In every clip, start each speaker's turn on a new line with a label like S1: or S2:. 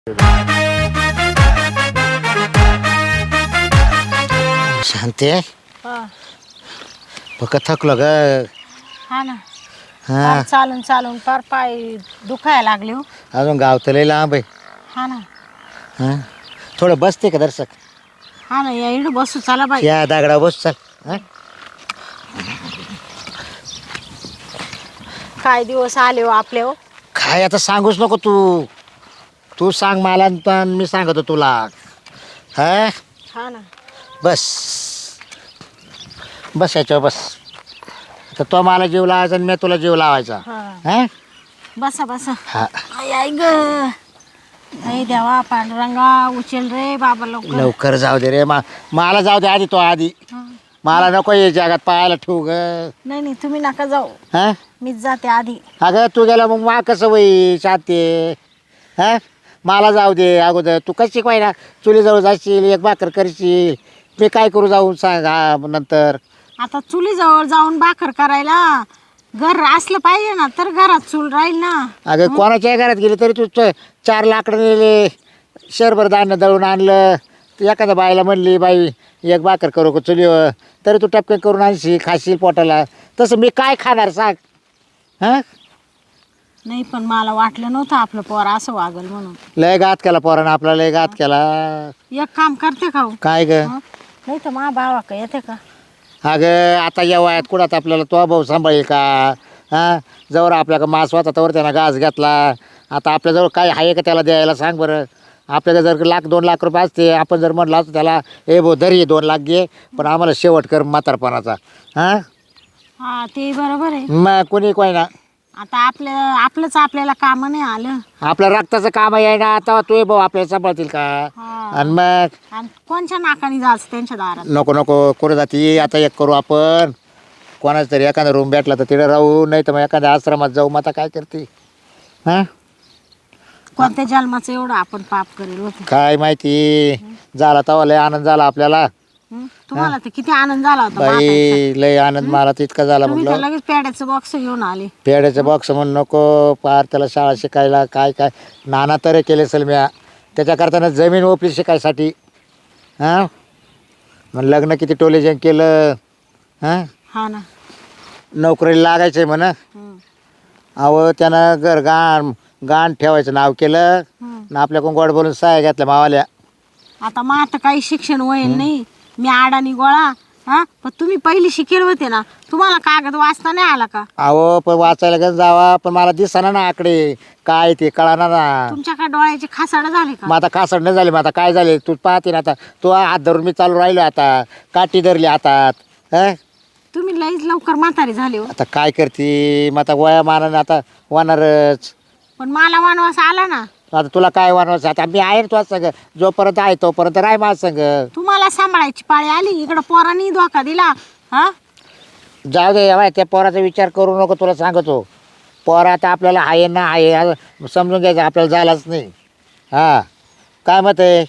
S1: शांती आहे
S2: हा
S1: पक्क थकलो ग.
S2: हा ना.
S1: हा
S2: फार चालून चालून फार पाय दुखायला लागले हो.
S1: अजून गाव तर लय लांब आहे.
S2: हा ना.
S1: हा थोडं बसते का दर्शक
S2: हा ना, या इकडं बसू चला बाई.
S1: या दगडा बस चल. हा?
S2: काय दिवस आले हो आपले हो.
S1: काय आता सांगूच नको तू. तू सांग मला आणि पण मी सांगतो तुला. हा
S2: हा ना.
S1: बस बस याच्यावर बस. तर तो मला जीव लावायचा आणि मी तुला जीव लावायचा.
S2: हा
S1: हा
S2: बसा बसा.
S1: हा
S2: आई आई ग. आई देवा पांडुरंगा उचल रे बाबा लवकर.
S1: लवकर जाऊ दे रे मला जाऊ दे आधी तो आधी.
S2: हा.
S1: मला नको ये जगात पाहायला ठेवू ग.
S2: नाही नाही तुम्ही नका जाऊ.
S1: हा
S2: मीच जाते आधी.
S1: अगं तू गेला मग मा कसं होई शांती. हा मला जाऊ दे अगोदर. तू कशी शिकवाय ना चुलीजवळ जाशील एक भाकर करशील. मी काय करू जाऊन सांग हा नंतर.
S2: आता चुलीजवळ जाऊन भाकर करायला घर असलं पाहिजे ना तर घरात चूल राहील ना.
S1: अगं कोणाच्याही घरात गेली तरी तू 4 लाकडं नेले शरभर धान्य दळून आणलं. एखाद्या बाईला म्हणली बाई एक भाकर करू का चुलीवर तरी तू टपके करून आणशील खाशील पोटाला. तसं मी काय खाणार सांग. हां
S2: नाही पण मला वाटलं नव्हतं आपलं पोर असं वागल म्हणून.
S1: लय घात केला पोरानं आपला लय घात केला.
S2: एक काम करते का हो?
S1: काय ग
S2: हं? नाही तर मा भावा का येते का?
S1: अगं आता या वयात कुणात आपल्याला तो भाऊ सांभाळेल का. हां जवळ आपल्याला मास वाचा तवर त्यानं घास घेतला. आता आपल्याजवळ काय आहे का त्याला द्यायला सांग बरं. आपल्याला जर 1,00,000-2 लाख रुपये असते आपण जर म्हटलं असतं त्याला ए भाऊ धरी 2 लाख घे पण आम्हाला शेवट कर म्हातारपणाचा. हां
S2: हा ते बरोबर आहे.
S1: मग कोणी कोय ना
S2: आता आपलंच आपल्याला काम नाही आलं.
S1: आपल्या रक्ताचं काम आहे ना आता तू भाऊ आपल्याला सांभाळतील का.
S2: हा.
S1: आणि मग
S2: आणि कोणच्या नाकाने जायचं त्यांच्या दारात.
S1: नको नको करू जाती. आता एक करू आपण कोणाच तरी एखादा रूम भेटला तर तिकडे राहू नाही तर मग एखाद्या आश्रमात जाऊ. मग आता काय करते. हां
S2: कोणत्या जन्माचं एवढं आपण पाप करेल होतं.
S1: काय माहिती झाला तेव्हा लय आनंद झाला आपल्याला.
S2: तुम्हाला तर किती आनंद झाला होता म्हातारीचा.
S1: बाई लय आनंद मला तितका झाला
S2: तुम्ही तर
S1: म्हटलं.
S2: लगेच पेड्याचं बॉक्स घेऊन आले.
S1: पेड्याचं बॉक्स म्हणून नको पार त्याला शाळा शिकायला काय काय नाना तरी केले असेल म्या. त्याच्याकरताना जमीन ओपली शिकायसाठी. हां मग लग्न किती टोलेजन केलं. हां
S2: हा ना.
S1: नोकरीला लागायचं आहे म्हणा.
S2: हं.
S1: अहो त्यानं गाण ठेवायचं नाव केलं
S2: हं.
S1: ना आपल्याकडून गोड बोलून सहाय्या घेतल्या मावाल्या.
S2: आता मग आता काही शिक्षण होईल नाही. मी आडानी गोळा. हा पण तुम्ही पहिली शिकेल होते ना. तुम्हाला कागद वाचता नाही आला का?
S1: अहो पण वाचायला गं जावा पण मला दिसना ना आकडे काय ते कळाना ना.
S2: तुमच्याकडे डोळ्याचे खासाड झाले का?
S1: मग आता कासड नाही झाले. मग आता काय झाले तू पाहते ना. आता तो हात धरून मी चालू राहिलो. आता काठी धरली हातात. हं
S2: तुम्ही लईच लवकर म्हातारी झाले हो.
S1: आता काय करते मग आता वया मानाने आता होणारच.
S2: पण मला वनवास आला ना.
S1: आता तुला काय वानवायचं आता मी आहे तुझ्या संग जोपर्यंत आहे तोपर्यंत राय माझ्या संग.
S2: तुम्हाला सांभाळायची पाळी आली इकडं पोरांनी धोका दिला. हा
S1: जाऊ दे बाय त्या पोराचा विचार करू नको तुला सांगतो. पोर आता आपल्याला आहे ना आहे समजून घ्यायचं आपल्याला झालाच नाही. हां काय मत आहे.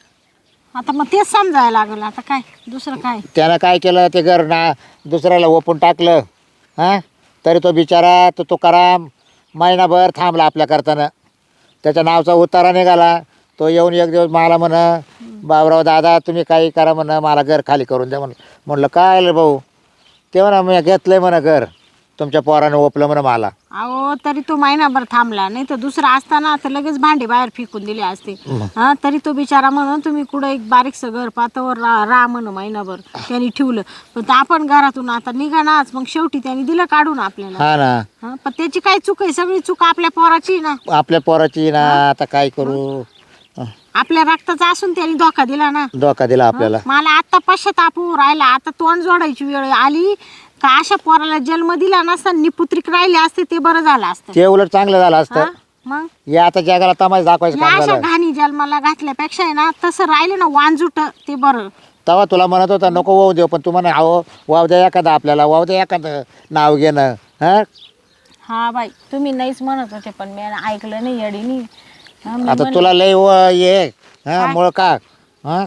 S2: आता मग तेच समजायला लागलं. आता काय दुसरं काय.
S1: त्यानं काय केलं ते घर ना दुसऱ्याला ओपून टाकलं. हां तरी तो बिचारा तो तुकाराम महिनाभर थांबला आपल्या करताना. त्याच्या नावचा उतारा निघाला. तो येऊन एक दिवस मला म्हण बाबराव दादा तुम्ही काही करा म्हण मला घर खाली करून द्या म्हणलं काय रे भाऊ. ते म्हणा मी घेतलंय म्हणा घर तुमच्या पोरानं ओपलं म्हणा मला.
S2: अहो तरी तो महिनाभर थांबला. नाही तर दुसरा असताना तर लगेच भांडे बाहेर फेकून दिले असते. हा तरी तो बिचारा म्हणून तुम्ही कुठं एक बारीकसं घर पातावर राहा म्हण महिनाभर त्यांनी ठेवलं. पण आपण घरातून आता निघानाच. मग शेवटी त्यांनी दिलं काढून आपल्याला.
S1: हा ना
S2: हा पण त्याची काय चूक आहे. सगळी चूक आपल्या पोराची ना.
S1: आपल्या पोराची ना. आता काय करू.
S2: आपल्या रक्ताचा असून त्यांनी धोका दिला ना.
S1: धोका दिला आपल्याला.
S2: मला आता पश्चाताप होऊ राहिला. आता तोंड जोडायची वेळ आली का अशा पोराला जन्म दिला नसता निपुत्रिक राहिले असते ते बरं झालं असतं.
S1: ते उलट चांगलं झालं असतं.
S2: मग
S1: या आता जगाला तमाश दाखवायचं
S2: या
S1: काम
S2: अशा
S1: झालं.
S2: घाणी जन्माला घातल्यापेक्षा आहे ना तसं राहिलं ना वांजुट ते बरं.
S1: तेव्हा तुला म्हणत होता नको वाहू देऊ पण तू म्हणा अहो वाहू द्या एखादा आपल्याला वाहू द्या एखादं नाव घेणं. हां
S2: हा बाई तुम्ही नाहीच म्हणत होते पण मी ऐकलं नाही येडीनी.
S1: आता तुला लय ये हां मुळ का. हां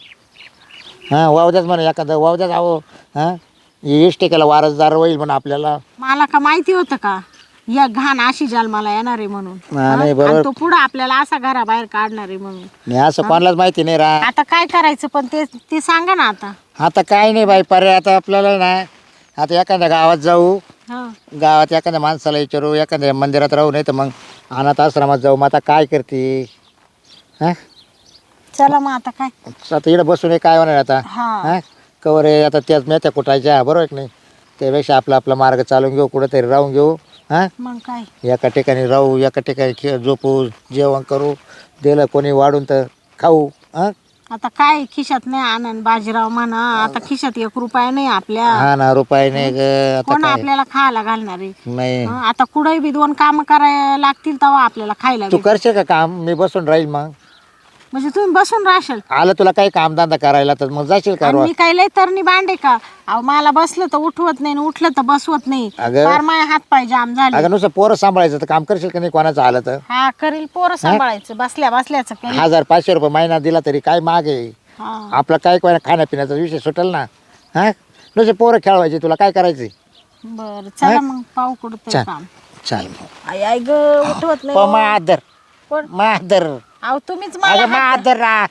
S1: हां वाहू द्याच म्हणा एखादं वाहू द्याच अहो. हां इष्टिकेला वारसदार होईल म्हणून आपल्याला.
S2: मला का माहिती होतं का या घाण अशी जन्माला येणार आहे म्हणून.
S1: हा, नाही,
S2: आणि
S1: बरोबर.
S2: तो पुढे आपल्याला असा घराबाहेर काढणार आहे म्हणून.
S1: नाही असं कोणालाच माहिती नाही रा.
S2: आता काय करायचं पण ते सांगा ना आता.
S1: आता काय नाही बाई पर्याय आता आपल्याला ना. आता एखाद्या गावात जाऊ,
S2: हा.
S1: गावात एखाद्या माणसाला विचारू, एखाद्या मंदिरात राहू, नाही तर मग अनाथ आश्रमात जाऊ. मग आता काय करते हा?
S2: चला मग आता काय.
S1: आता इकडे बसून हे काय होणार आता
S2: हा.
S1: हा? कवर आहे आता त्याच मेथ्या कुटायच्या, बरोबर की नाही? त्यापेक्षा आपला आपला मार्ग चालून घेऊ, कुठेतरी राहून घेऊ. हा,
S2: मग काय.
S1: एका ठिकाणी राहू, एका ठिकाणी झोपू, जेवण करू, दिलं कोणी वाढून तर खाऊ. हा
S2: आता काय खिशात नाही आनंद बाजीराव म्हणा. आता खिशात 1 रुपया नाही आपल्या.
S1: हा ना, रुपये नाही ग. आता
S2: कोण
S1: काय
S2: आपल्याला खायला घालणार आहे.
S1: नाही.
S2: आता कुठेही बी 2 काम करायला लागतील तेव्हा आपल्याला खायला
S1: तू
S2: भेटेल.
S1: करशील का काम? मी बसून राहील मग.
S2: म्हणजे तुम्ही बसून राहशाल.
S1: आलं तुला काही कामधंदा करायला तर मग जाशील का
S2: आणि
S1: रोज?
S2: मी काही लय तरणी भांडे का. अहो मला बसलं तर उठवत नाही आणि उठलं तर बसवत नाही.
S1: अगं.
S2: फार माझे हात पाय जाम झाले.
S1: अगं नुसतं पोरं सांभाळायचं तर काम करशील का नाही कोणाचं आलं तर?
S2: हा करील. पोरं सांभाळायचं बसल्या बसल्याच करील.
S1: 1500 रुपये महिना दिला तरी काय माग आहे?
S2: हा.
S1: आपलं काय कोणा खाण्यापिण्याचा विषय सुटेल ना. हा नुसते पोरं खेळवायचे, तुला काय करायचंय?
S2: बर चला मग पाहू कुठं
S1: चल.
S2: काम.
S1: चाल
S2: आई आई ग उठवत नाही.
S1: मादर
S2: कोण?
S1: मादर.
S2: अहो तुम्हीच
S1: अगं
S2: मला
S1: मादर ना.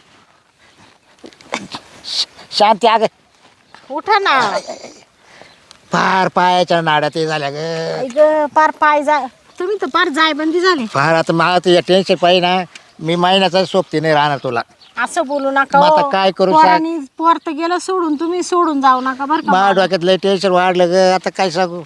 S1: शांती अगं.
S2: उठा ना.
S1: फार पायाच्या नाड्यात हे झाल्या ग.
S2: आई ग पार पाय जा. तुम्ही तर पार जायबंदी झाली.
S1: फार आता मला तुझ्या टेन्शन पाहिजे ना. मी महिन्याचा सोबती नाही राहणार तुला.
S2: असं बोलू नका.
S1: मग आता
S2: हो.
S1: काय करू सांग?
S2: पोरांनी पोर तर गेलं सोडून, तुम्ही सोडून जाऊ नका बरं का.
S1: माझ्या डोक्यात लय टेन्शन वाढलं ग. आता काय सांगू?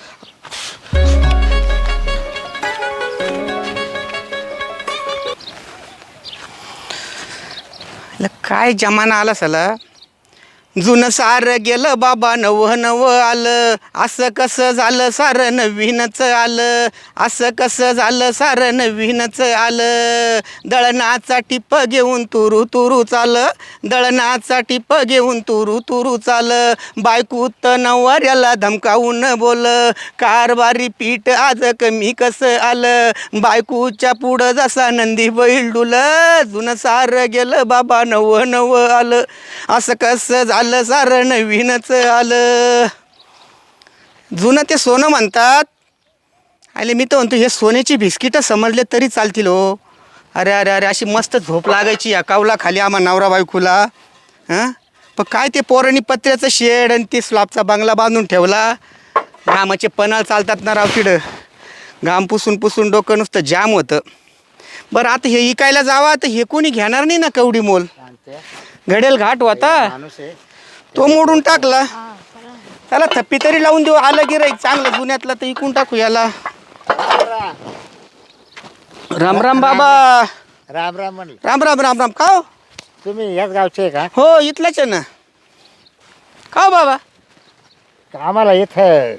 S3: काय जमाना आला सला. जुनं सार गेलं बाबा, नव नव आलं. असं कसं झालं सारं नवीनच आलं. असं कसं झालं सारं नवीनच आलं. दळणाचा टिप घेऊन तुरू तुरू चालं. दळणाचा टिप घेऊन तुरू तुरू चालं. बायकूत नवऱ्याला धमकावून बोल. कारभारी पीठ आज कमी कसं आलं. बायकूच्या पुढं जसा नंदी बैल डुलं. जुनं सार गेलं बाबा, नव नव आलं. असं कसं झालं सारं नवीनच आलं. जुनं ते सोनं म्हणतात. आले मी तर म्हणतो हे सोन्याची बिस्किटं समजले तरी चालतील हो. अरे अरे अरे अशी मस्त झोप लागायची या कावला खाली आम्हा नवरा बायकोला. हां पण काय ते पोरांनी पत्र्याचं शेड आणि ते स्लॅबचा बंगला बांधून ठेवला. घामाचे पन्हाळ चालतात ना राव तिकडं. घाम पुसून पुसून डोकं नुसतं जाम होतं. बरं आता हे इकायला जावा तर हे कोणी घेणार नाही ना कवडी मोल. घडेल घाट होता तो मोडून टाकला. त्याला थप्पी तरी लावून देऊ. आलं गिराईक चांगलं जुन्यातलं तर इकून टाकू याला. राम राम बाबा.
S1: राम राम म्हणलं.
S3: राम राम राम राम. का हो?
S1: तुम्ही याच गावचे आहे का?
S3: हो इथलंच आहे ना. का हो बाबा?
S1: आम्हाला इथं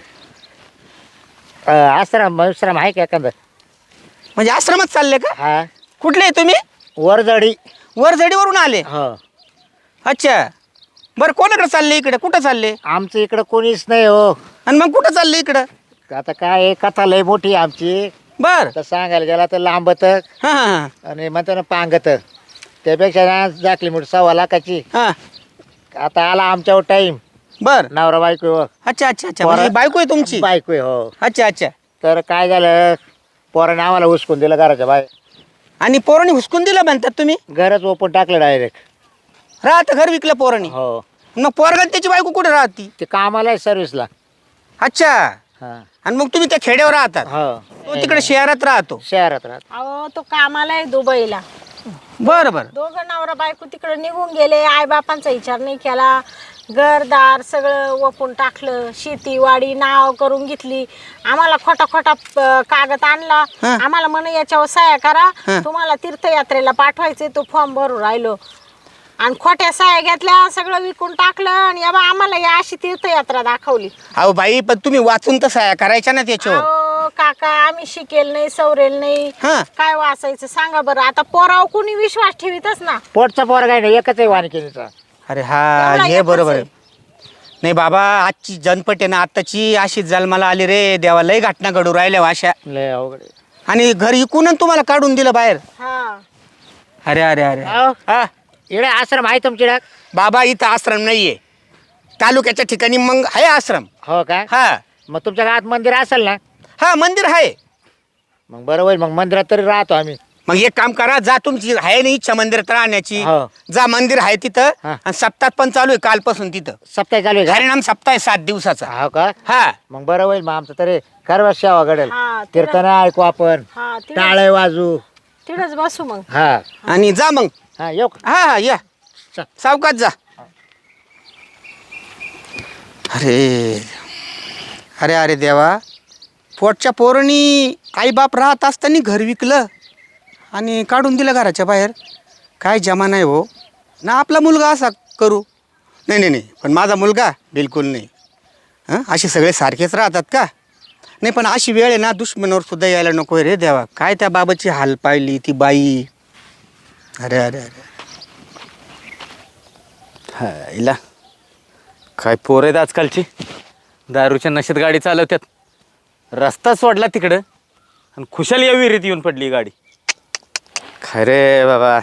S1: आश्रम विश्राम आहे का एखादं?
S3: म्हणजे आश्रमात चालले का?
S1: हा,
S3: कुठले आहे तुम्ही?
S1: वरजडी.
S3: वरझडीवरून आले.
S1: हो.
S3: अच्छा बरं कोणाकडे चालले इकडे? कुठं चालले?
S1: आमचं इकडं कोणीच नाही हो.
S3: आणि मग कुठं चालले इकडं?
S1: आता काय आहे, कथा लय मोठी आहे आमची.
S3: बर
S1: तर सांगायला गेला तर लांबत
S3: हां हां
S1: आणि म्हणतो ना पांगत. त्यापेक्षा ना जाकली मोठी 1.25 लाखाची.
S3: हां
S1: आता आला आमच्यावर टाईम.
S3: बर
S1: नवरा बायको.
S3: अच्छा अच्छा अच्छा म्हणजे बायको आहे तुमची?
S1: बायको आहे हो.
S3: अच्छा अच्छा.
S1: तर काय झालं, पोराने आम्हाला हुसकून दिलं घराच्या बाहेर.
S3: आणि पोरांनी हुसकून दिलं म्हणतात तुम्ही?
S1: घरच ओपन टाकलं डायरेक्ट.
S3: राहत घर विकलं पोरांनी?
S1: हो.
S3: मग पोरगा त्याची बायको कुठे राहती?
S1: ते कामाला आहे सर्व्हिसला.
S3: अच्छा.
S1: हा.
S3: आणि मग तुम्ही त्या खेड्यावर राहतात?
S1: हो.
S3: तो तिकडे शहरात राहतो?
S1: शहरात राहत.
S2: अहो तो कामाला आहे दुबईला.
S3: बरं बरं.
S2: दोघं नवरा बायको तिकडे निघून गेले. आई बापांचा विचार नाही केला. घरदार सगळं वपून टाकलं. शेती वाडी नाव करून घेतली. आम्हाला खोटा खोटा कागद आणला.
S3: हं.
S2: आम्हाला म्हणे याच्यावर सह्या करा,
S3: हं.
S2: तुम्हाला तीर्थयात्रेला पाठवायचे. तो फॉर्म भरून राहिलो आणि खोट्या सह्या घेतल्या. सगळं विकून टाकलं आणि या बा आम्हाला या अशी तीर्थयात्रा दाखवली.
S3: अहो बाई पण तुम्ही वाचून तर सह्या करायच्या ना त्याच्यावर.
S2: अहो काका आम्ही शिकेल नाही सवरेल नाही.
S3: हं.
S2: काय वाचायचं सांगा बरं. आता पोराव कुणी विश्वास ठेवीतच ना.
S1: पोटचा पोर काय नाही, एकच आहे वानकेचा.
S3: अरे हा
S2: एवढा
S3: हे
S2: एकच
S3: बरोबर
S2: आहे.
S3: आहे. नाही बाबा आजची जनपट आहे ना आत्ताची अशी जन्माला आली रे देवा. लय घटना घडू राहिल्या अशा.
S1: लय अवघड आहे.
S3: आणि घर इकून तुम्हाला काढून दिलं बाहेर.
S2: हा
S3: अरे अरे अरे
S1: अहो,
S3: हा
S1: इकडे आश्रम आहे तुमच्याकडे?
S3: बाबा इथं आश्रम नाहीये. तालुक्याच्या ठिकाणी मग आहे आश्रम.
S1: हो का?
S3: हा
S1: मग तुमच्या गावात मंदिर असेल ना?
S3: हा मंदिर आहे.
S1: मग बरं होईल, मग मंदिरात तरी राहतो आम्ही.
S3: मग एक काम करा, जा तुमची आहे ना इच्छा मंदिरात राहण्याची,
S1: हो.
S3: जा मंदिर आहे तिथं.
S1: हा.
S3: आणि सप्ताह पण चालू आहे कालपासून तिथं.
S1: सप्ताह चालू आहे का?
S3: हरिनाम सप्ताह आहे 7 दिवसाचा.
S1: हो का?
S3: हा
S1: मग बरं होईल, मग आमचं तरी कर्व सेवा घडेल.
S2: हा,
S1: कीर्तन ऐकू आपण,
S2: हा
S1: टाळे वाजू.
S2: तिथंच बसू मग.
S1: हा
S3: आणि जा मग.
S1: हा येऊ का?
S3: हा हा या
S1: चल.
S3: सावकाश जा. अरे अरे अरे देवा, पोटच्या पोरांनी आईबाप राहत असताना घर विकलं आणि काढून दिलं घराच्या बाहेर. काय जमाना आहे हो ना. आपला मुलगा असा करू. नाही नाही नाही, पण माझा मुलगा बिलकुल नाही. हां, असे सगळे सारखेच राहतात का? नाही, पण अशी वेळ आहे ना, दुश्मनावर सुद्धा यायला नको रे देवा. काय त्या बाबाची हाल पाहिली ती बाई. अरे अरे अरे
S4: हा इला काय पोरं आहेत आजकालची. दारूच्या नशेत गाडी चालवतात. रस्ता सोडला तिकडं आणि खुशाल या विहिरीत येऊन पडली गाडी. खरे बाबा,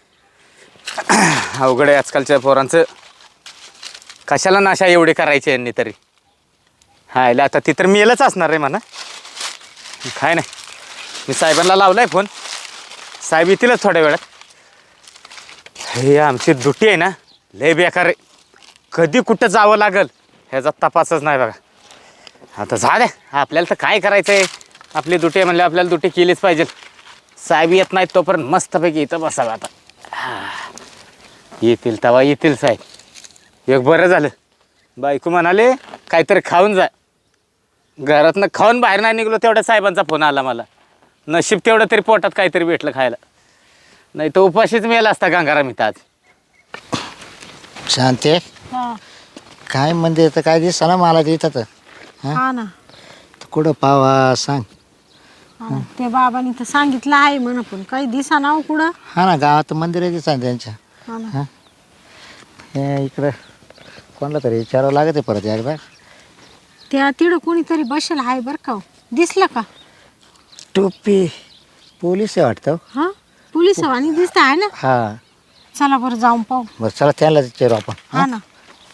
S4: अवघड आहे आजकालच्या पोरांचं. कशाला नाशा एवढे करायचे यांनी तरी. हा इला आता ती तर मेलच असणार रे म्हणा. काय नाही, मी साहेबांना लावलाय फोन. साहेब येतीलच थोड्या वेळात. हे आमची दुटी आहे ना, लय बेकार आहे. कधी कुठं जावं लागल ह्याचा तपासच नाही बघा. आता झालं, आपल्याला तर काय करायचं आहे. आपली दुटी आहे म्हणलं, आपल्याला दुटी केलीच पाहिजे. साहेब येत नाहीत तोपर्यंत मस्तपैकी इथं बसावं आता. येतील तेव्हा येतील साहेब. एक बरं झालं, बायको म्हणाले काहीतरी खाऊन जा. घरातनं खाऊन बाहेर नाही निघलो तेवढ्या साहेबांचा फोन आला मला. नशीब तेवढं तरी पोटात काहीतरी भेटलं खायला, नाही तर उपाशीच मिळाला असता गंगाराम इथं आज.
S1: शांती
S2: हा
S1: काय मंदिर तर काय दिसतं ना मला तिथं तर.
S2: हा ना.
S1: तर कुठं पावा सांग.
S2: हा ना. ते बाबांनी तर सांगितलं आहे म्हणा, पण काही दिसा नाव कुठं.
S1: हा ना, गावात मंदिर दिसतं त्यांच्या.
S2: हा ना.
S1: हे इकडं कोणाला तरी विचारावं लागत आहे परत एकदा.
S2: त्या तिकडं कोणीतरी बसेल आहे बरं का हो. दिसलं का?
S1: टोपी पोलीस आहे वाटतं.
S2: हा, पोलीस आणि दिसत आहे ना.
S1: हा
S2: चला बरं जाऊन पाहू.
S1: बरं चला त्यांना विचारू आपण.
S2: हा ना.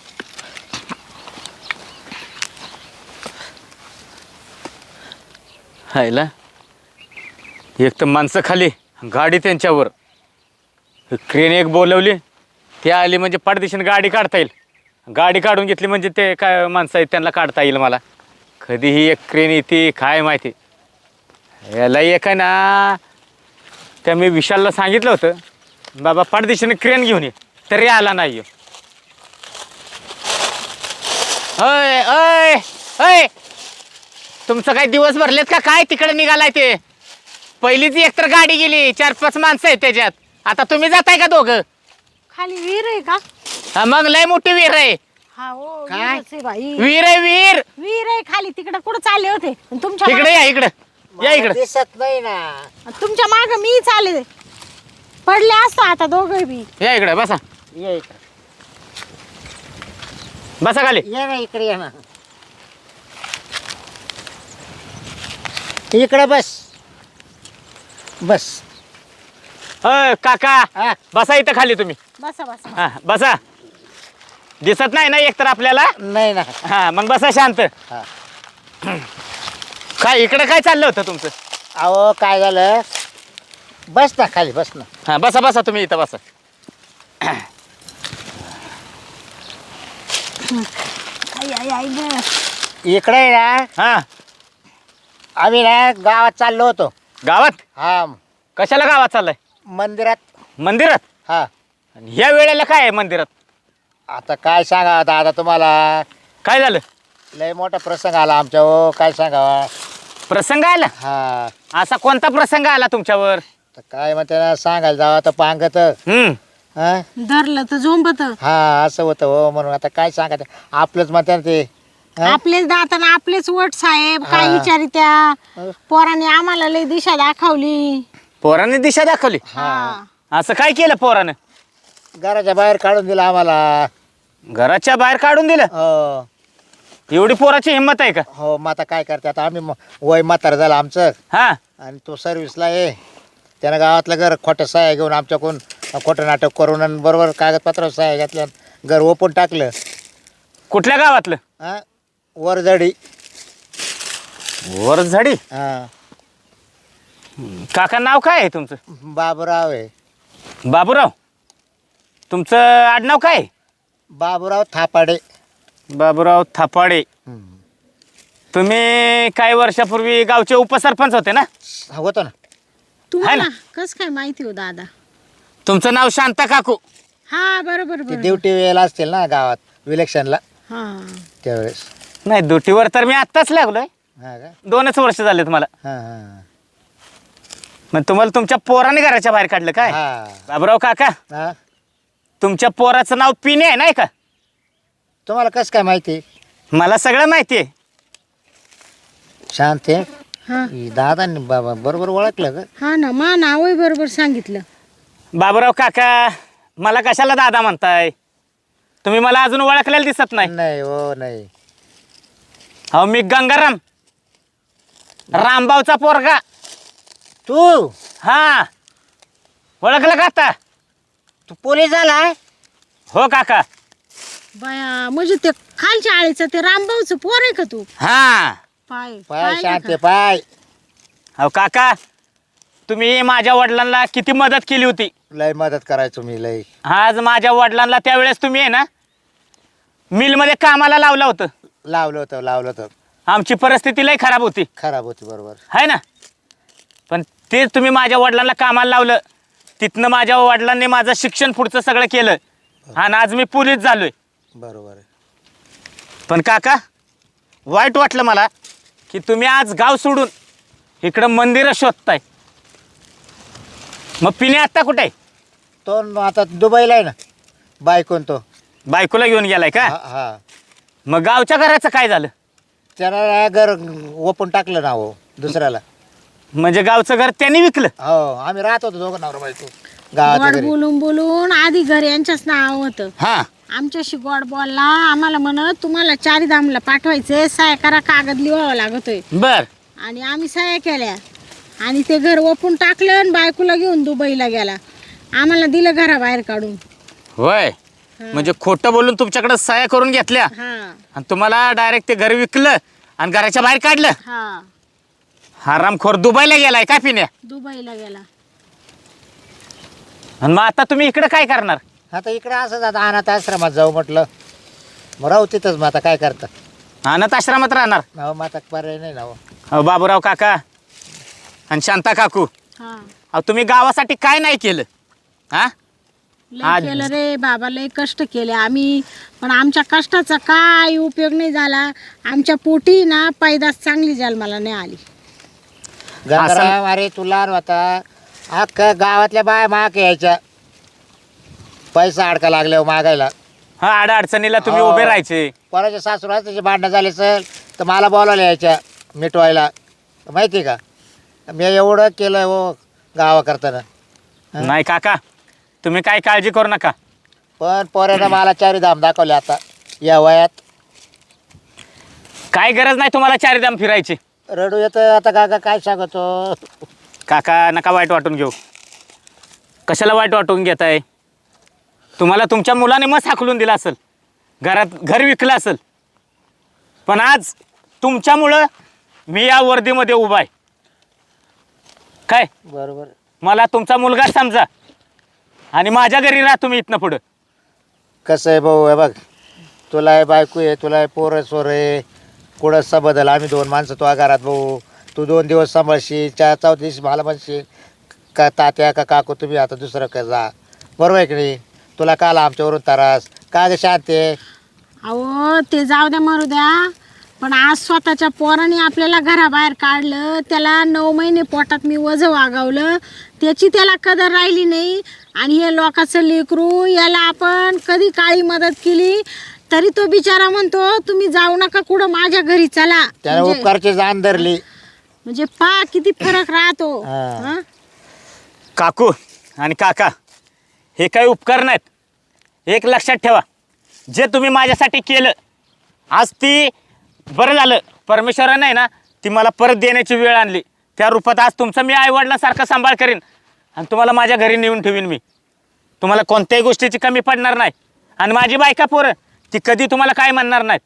S4: हायला एक तर माणसं खाली, गाडी त्यांच्यावर. क्रेन एक बोलवली, ती आली म्हणजे पाठदिशीने गाडी काढता येईल. गाडी काढून घेतली म्हणजे ते काय माणसं आहेत त्यांना काढता येईल मला. कधीही एक क्रेन येते काय माहिती. याला एक आहे ना, त्या मी विशालला सांगितलं होतं बाबा पाठदिशीने क्रेन घेऊन ये, तरी आला नाही. अय अय अय, तुमचं काय दिवस भरलेत का काय तिकडे निघालाय ते? पहिलीच एकतर गाडी गेली, 4-5 माणसं आहेत त्याच्यात. आता तुम्ही जाताय का दोघं?
S2: खाली विहीर आहे का?
S4: हा, मग लय मोठी विहीर आहे.
S2: हा हो,
S1: काय?
S2: विहीरच आहे बाई.
S4: विहीर आहे विहीर.
S2: विहीर आहे खाली. तिकडे कुठं चालले होते? आणि तुमच्या
S4: इकडे या, इकडं या, इकडं.
S1: दिसत नाही ना.
S2: तुमच्या माग मी चालले. पडले असतो आता दोघे बी.
S4: या इकडं बसा.
S1: ये इकडे
S4: बसा खाली.
S1: ये ना, इकडे ये ना. इकडे बस बस.
S4: अय काका,
S1: हा
S4: बसा इथं खाली तुम्ही.
S2: बसा बसा.
S4: हा बसा. दिसत नाही ना एकतर आपल्याला.
S1: नाही ना.
S4: हा मग बसा शांत.
S1: हा.
S4: काय इकडं काय चाललं होतं तुमचं?
S1: अहो काय झालं, बस ना खाली बस ना.
S4: हा बसा बसा तुम्ही इथं बसा.
S2: आई आई आई ग.
S1: इकडे आहे ना,
S4: हा
S1: आम्ही ना गावात चाललो होतो.
S4: गावात?
S1: हा
S4: कशाला गावात चाललाय?
S1: मंदिरात.
S4: मंदिरात?
S1: हा
S4: आणि ह्या वेळेला काय आहे मंदिरात?
S1: आता काय सांगा दादा तुम्हाला,
S4: काय झालं?
S1: लय मोठा प्रसंग आला आमच्या. हो काय सांगावा.
S4: प्रसंग आला?
S1: हा
S4: असा कोणता प्रसंग आला तुमच्यावर?
S1: तर काय म्हणते ना, सांगायला जावं तर पांगत. हा
S2: धरलं तर झोंबत.
S1: हा असं होतं हो. म्हणून आता काय सांगायचं, आपलंच म्हणते ना ते. हा?
S2: आपलेच दाताना आपलेच वट साहेब काय
S1: हा.
S2: विचारित्या. पोराने आम्हाला लय दिशा दाखवली.
S4: पोराने दिशा दाखवली?
S2: हा.
S4: असं काय केलं पोरानं?
S1: घराच्या बाहेर काढून दिलं आम्हाला.
S4: घराच्या बाहेर काढून दिलं?
S1: हो
S4: एवढी पोराची हिंमत आहे का?
S1: हो, मग आता काय करते. आता आम्ही वय म्हातार झालं आमचं,
S4: हा
S1: आणि तो सर्व्हिसला आहे. त्यानं गावातलं घर खोटं सह्या घेऊन आमच्याकडून खोटं नाटक करून आणि बरोबर कागदपत्र सह्या घेतल्या, घर ओपून टाकलं.
S4: कुठल्या गावातलं?
S1: हा वरझडी.
S4: वरझाडी?
S1: हा
S4: काका नाव काय आहे तुमचं?
S1: बाबूराव आहे.
S4: बाबूराव. तुमचं आडनाव काय आहे?
S1: बाबूराव थापाडे.
S4: बाबूराव थापाडे. तुम्ही काही वर्षापूर्वी गावचे उपसरपंच होते ना?
S1: होतो ना.
S2: तुम्हाला कस काय माहिती हो दादा?
S4: तुमचं नाव शांता काकू.
S2: हा बरोबर
S1: ते
S2: बरोबर.
S1: ड्युटी वेळेला असतील ना गावात इलेक्शनला
S2: हा
S1: त्यावेळेस.
S4: नाही, ड्युटीवर तर मी आत्ताच लागलोय.
S1: हा का?
S4: 2च वर्ष झाले तुम्हाला.
S1: हा हा
S4: मग तुम्हाला तुमच्या पोराने घराच्या बाहेर काढलं काय?
S1: हा
S4: बाबूराव काका,
S1: हा.
S4: तुमच्या पोराचं नाव पिणे आहे नाही का?
S1: तुम्हाला कसं काय माहिती?
S4: मला सगळं माहिती आहे.
S1: शांत आहे.
S2: हा
S1: दादांनी बाबा बरोबर ओळखलं का?
S2: हा ना, मा नावही बरोबर सांगितलं.
S4: बाबूराव काका, मला कशाला दादा म्हणताय? तुम्ही मला अजून ओळखलेलं दिसत नाही.
S1: नाही हो नाही.
S4: अहो, मी गंगाराम, रामभाऊचा पोरगा.
S1: तू
S4: हा, ओळखलं का आता?
S1: तू पोलीस झालाय?
S4: हो काका.
S2: बाया, म्हणजे ते खालच्या आळीचं ते रामभाऊचं पोर आहे का तू?
S4: हा.
S2: पाय
S1: पाय
S2: पाहिलं
S1: शांत
S2: का?
S1: आहे पाय.
S4: अहो काका, तुम्ही माझ्या वडिलांना किती मदत केली होती.
S1: लय मदत करायचो मी लय.
S4: आज माझ्या वडिलांना त्यावेळेस तुम्ही आहे ना मिलमध्ये कामाला लावलं होतं.
S1: लावलं होतं.
S4: आमची परिस्थिती लय खराब होती,
S1: खराब होती बरोबर.
S4: आहे ना? पण ते तुम्ही माझ्या वडिलांना कामाला लावलं. तिथनं माझ्या वडिलांनी माझं शिक्षण पुढचं सगळं केलं आणि आज मी पोलीस झालोय.
S1: बरोबर आहे.
S4: पण काका, वाईट वाटलं मला की तुम्ही आज गाव सोडून इकडं मंदिरं शोधताय. मग पिणे आत्ता कुठे आहे?
S1: तो आता दुबईला आहे ना. बायकोन तो.
S4: बायकोला घेऊन गेलाय का?
S1: हा.
S4: मग गावच्या घराचं काय झालं?
S1: त्याला घर ओपन टाकलं ना हो दुसऱ्याला.
S4: म्हणजे गावचं घर त्यांनी विकलं?
S1: हो, आम्ही राहत होतो दोघं नवरा बायको गावाच्या
S2: गोड
S1: घरी.
S2: बोलून बोलून आधी घर यांच्याच नाव होतं.
S4: हा.
S2: आमच्याशी गोड बोलला, आम्हाला म्हणत तुम्हाला चारीधामला पाठवायचे, सह्या करा, कागद लिहावा लागतोय.
S4: बर.
S2: आणि आम्ही सह्या केल्या आणि ते घर ओपून टाकलं आणि बायकोला घेऊन दुबईला गेला. आम्हाला दिलं घराबाहेर काढून.
S4: होय. म्हणजे खोटं बोलून तुमच्याकडे सह्या करून घेतल्या
S2: हा
S4: आणि तुम्हाला डायरेक्ट ते घर विकलं आणि घराच्या बाहेर काढलं.
S2: हा
S4: हरामखोर दुबईला गेलाय काय पिण्या?
S2: दुबईला गेला.
S4: आणि मग आता तुम्ही इकडे काय करणार?
S1: आता इकडे असंच आता अनाथ आश्रमात जाऊ म्हटलं. मग राहू तिथंच. मग आता काय करता?
S4: अनाथ आश्रमात राहणार?
S1: हो, मग आता पर्याय नाही ना हो.
S4: अहो बाबूराव काका आणि शांता काकू,
S2: हा
S4: अहो तुम्ही गावासाठी काय नाही केलं? हा.
S2: लय केलं रे बाबा, लय कष्ट केले आम्ही, पण आमच्या कष्टाचा काय उपयोग नाही झाला. आमच्या पोटी ना पैदास चांगली जन्माला नाही आली.
S1: गंगाराम, अरे तू लहान होता. अख्खा गावातल्या बाया माग यायच्या पैसा अडका लागल्यावर मागायला.
S4: हा, आड अडचणीला तुम्ही
S1: हो.
S4: उभे राहायचे.
S1: कोणाच्या सासूला त्याचे भांडणं झाले सर तर मला बोलावलं यायच्या मिटवायला. माहिती का? मी एवढं केलं हो गावा करताना.
S4: नाही काका, तुम्ही काय काळजी करू नका.
S1: पण पोऱ्यानं मला चारीधाम दाखवले आता या वयात.
S4: काय गरज नाही तुम्हाला चारीधाम फिरायची.
S1: रडू येतं आता. काका काय सांगतो?
S4: काका नका वाईट वाटून घेऊ. कशाला वाईट वाटून घेताय? तुम्हाला तुमच्या मुलाने मस्त हाकलून दिला असेल, घर विकलं असेल, पण आज तुमच्यामुळं मी या वर्दीमध्ये उभा आहे. काय
S1: बरोबर.
S4: मला तुमचा मुलगा समजा आणि माझ्या घरी राहा तुम्ही इथनं पुढं.
S1: कसं आहे भाऊ, हे बघ, तुला आहे बायको आहे, तुला आहे पोरं सोर आहे, कुठंसा बदल. आम्ही 2 माणसं तुझ्या घरात भाऊ. तू 2 दिवस सांभाळशील, 4 दिवस मला म्हणशील का तात्या का काकू तुम्ही आता दुसरं का जा. बरोबर आहे की नाही? तुला काल आमच्यावरून त्रास का ग शांत आहे?
S2: अहो ते जाऊ द्या, मरू द्या, पण आज स्वतःच्या पोराने आपल्याला घराबाहेर काढलं, त्याला 9 महिने पोटात मी वजं वागवलं, त्याची त्याला कदर राहिली नाही. आणि हे लोकांचं लेकरू, याला आपण कधी काळी मदत केली तरी तो बिचारा म्हणतो तुम्ही जाऊ नका कुठं, माझ्या घरी चला.
S1: त्याने उपकारची जाण धरली.
S2: म्हणजे पा किती फरक राहतो.
S1: हा.
S2: हा?
S4: काकू आणि काका, हे काही उपकार नाहीत. एक लक्षात ठेवा, जे तुम्ही माझ्यासाठी केलं आज ती बरं झालं. परमेश्वरानं आहे ना ती मला परत देण्याची वेळ आणली. त्या रूपात आज तुमचं मी आईवडिलांसारखं सांभाळ करीन आणि तुम्हाला माझ्या घरी नेऊन ठेवीन मी. तुम्हाला कोणत्याही गोष्टीची कमी पडणार नाही. आणि माझी बायका पोरं ती कधी तुम्हाला काय म्हणणार नाहीत.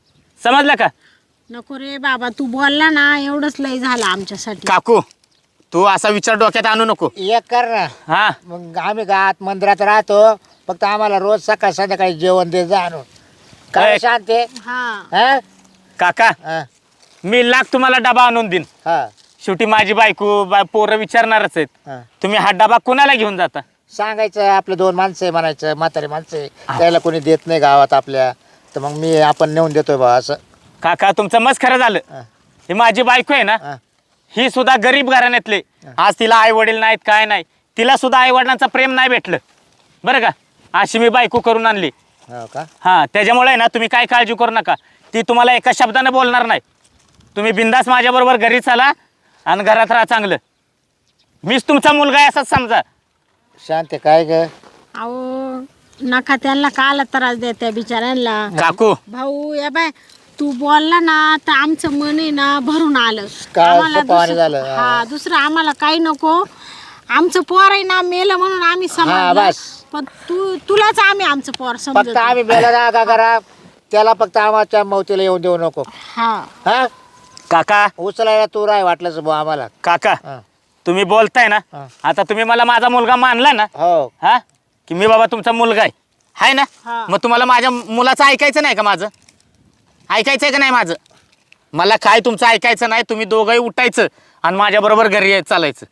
S4: समजलं का?
S2: नको रे बाबा, तू बोलला ना एवढंच लय झालं आमच्यासाठी.
S4: काकू, तू असा विचार डोक्यात आणू नको.
S1: एक कर ना,
S4: हा
S1: मग आम्ही गावात मंदिरात राहतो, फक्त आम्हाला रोज सकाळ संध्याकाळी जेवण दे जा आणून. काय
S4: ए.
S1: शांत आहे?
S2: हा
S1: हा?
S4: काका,
S1: हा,
S4: मी लाख तुम्हाला डबा आणून देईन.
S1: हा,
S4: शेवटी माझी बायको पोरं विचारणारच आहेत.
S1: हा.
S4: तुम्ही हा डबा कुणाला घेऊन जाता?
S1: सांगायचं आपले 2 माणसं आहे म्हणायचं, म्हातारी माणसं आहे, त्याला कोणी देत नाही गावात आपल्या, तर मग आपण नेऊन देतोय बा असं.
S4: काका तुमचं मस्त खरं झालं.
S1: हा.
S4: ही माझी बायको आहे ना,
S1: हा.
S4: ही सुद्धा गरीब घराण्यातले. आज तिला आई वडील नाहीत, काय नाही, तिला सुद्धा आई वडिलांचं प्रेम नाही भेटलं बरं का. अशी मी बायको करून आणली.
S1: हो का?
S4: हा त्याच्यामुळे आहे ना, तुम्ही काय काळजी करू नका. ती तुम्हाला एका शब्दाने बोलणार नाही. तुम्ही बिंदास माझ्याबरोबर घरी चला आणि घरात राहा चांगलं. मीच तुमचा मुलगा आहे असंच समजा.
S1: शांत आहे काय ग?
S2: अहो नका त्यांना काला त्रास देत त्या बिचाऱ्यांना.
S4: काकू
S2: भाऊ या बाय तू बोलला ना तर आमचं मन आहे ना भरून आलं.
S1: काय
S2: आम्हाला
S1: सोपं आणि
S2: दुसरं-
S1: झालं.
S2: हा दुसरं आम्हाला काही नको. आमचं पोर आहे ना मेलं म्हणून आम्ही समजलं,
S1: बस.
S2: पण तुलाच आम्ही आमचं पोर
S1: फक्त
S2: समजतो.
S1: आम्ही मेला ना का करा, त्याला फक्त आम्हाच्या मौतीला येऊन देऊ नको.
S2: हा
S1: हा,
S4: काका
S1: उचलायला तू राय वाटलंच भाऊ आम्हाला.
S4: काका
S1: हा.
S4: तुम्ही बोलताय ना,
S1: हा.
S4: आता तुम्ही मला माझा मुलगा मानला ना,
S1: हो,
S4: हा की मी बाबा तुमचा मुलगा आहे, हाय ना.
S2: हा.
S4: मग तुम्हाला माझ्या मुलाचं ऐकायचं नाही का? माझं ऐकायचं आहे का नाही? माझं मला काय तुमचं ऐकायचं नाही. तुम्ही दोघंही उठायचं आणि माझ्याबरोबर घरी चालायचं.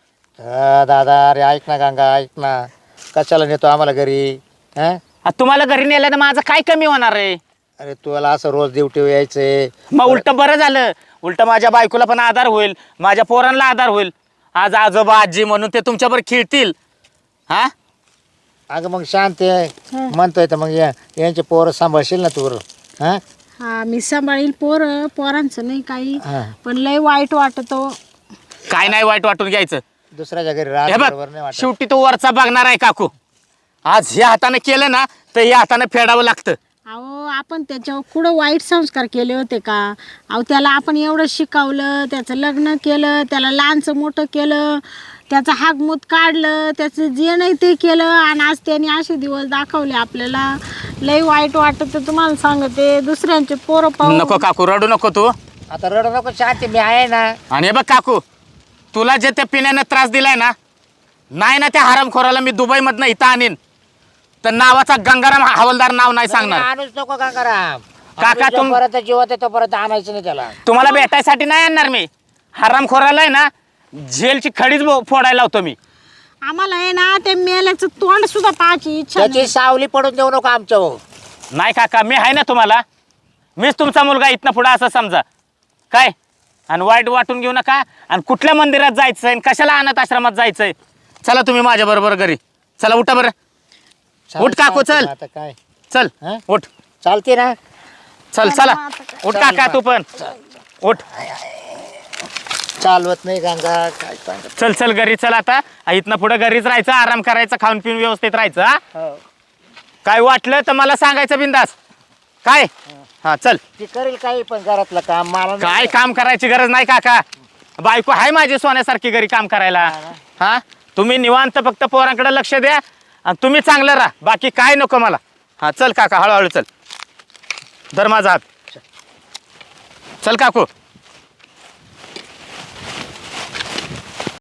S1: दादा अरे ऐक ना गंगा, ऐक ना, कशाला नेतो आम्हाला घरी? हा,
S4: आता तुम्हाला घरी नेलं तर माझं काय कमी होणार आहे?
S1: अरे तुला असं रोज ड्युटी यायचंय.
S4: मग उलट बरं झालं. उलट माझ्या बायकोला पण आधार होईल, माझ्या पोरांना आधार होईल. आज आजोबा आजी म्हणून ते तुमच्याबरोबर खेळतील. हा
S1: अगं मग शांत आहे म्हणतोय तर मग यांचे पोरं सांभाळशील ना तू? हा,
S2: हा मी सांभाळील पोरांचं नाही काही,
S1: हा.
S2: पण लय वाईट वाटतो.
S4: काय नाही वाईट वाटून घ्यायचं.
S1: दुसऱ्याच्या घरी
S4: हे
S1: राहत
S4: बघ,
S1: बरोबर नाही वाटत.
S4: शेवटी तो वरचा बघणार आहे काकू. आज ह्या हाताने केलं ना तर ह्या हाताने फेडावं लागतं.
S2: अहो आपण त्याच्यावर कुठं वाईट संस्कार केले होते का? अहो त्याला आपण एवढं शिकवलं, त्याचं लग्न केलं, त्याला लहानचं मोठं केलं, त्याचं हागमूत काढलं, त्याचं जे नाही ते केलं, आणि आज त्याने असे दिवस दाखवले आपल्याला. लई वाईट वाटत तुम्हाला सांगते. दुसऱ्यांचे पोरं पाहून
S4: नको काकू, रडू नको तू.
S1: आता रडू नको, शांती मी आहे ना.
S4: आणि हे बघ काकू, तुला जे त्या पिण्याने त्रास दिलाय ना, नाही ना त्या हरामखोराला मी दुबईमधनं इथं आणीन तर नावाचा गंगाराम हवालदार नाव नाही सांगणार.
S1: आणूच नको गंगाराम.
S4: काका, तुम-
S1: परत जीवात येतो परत आणायचं नाही त्याला.
S4: तुम्हाला भेटायसाठी नाही आणणार मी. हरामखोराला आहे ना जेलची खडीच फोडायला लावतो मी.
S2: आम्हाला आहे ना ते मेल्याचं तोंड सुद्धा पाहायची इच्छा
S1: त्याची
S2: नाही.
S1: सावली पडून देऊ नको आमच्या.
S4: नाही काका, मी आहे ना तुम्हाला. मीच तुमचा मुलगा इथनं पुढं असं समजा काय. आणि वाईट वाटून घेऊ नका. आणि कुठल्या मंदिरात जायचं आहे, कशाला अनाथ आश्रमात जायचंय. चला तुम्ही माझ्या बरोबर घरी चला. उठा बरं. उठ काकू, चल.
S1: आता काय
S4: चल
S1: हं?
S4: उठ.
S1: चालते ना?
S4: चल चला उठ काका, तू पण उठ.
S1: चालवत नाही गंगा, काय सांग.
S4: चल चल घरी चल. आता इथनं पुढे घरीच राहायचं, आराम करायचा, खाऊन पिऊन व्यवस्थित राहायचं. हा
S1: हो.
S4: काय वाटलं तर मला सांगायचं बिंदास. काय हा चल.
S1: ती करेल काही पण घरातलं काम मला नाही.
S4: काय काम करायची गरज नाही काका. बायको आहे माझी सोन्यासारखी घरी काम करायला. हा तुम्ही निवांत फक्त पोरांकडे लक्ष द्या आणि तुम्ही चांगलं राहा. बाकी काय नको मला. हा चल काका, हळूहळू चल. धर माझा हात. चल काकू.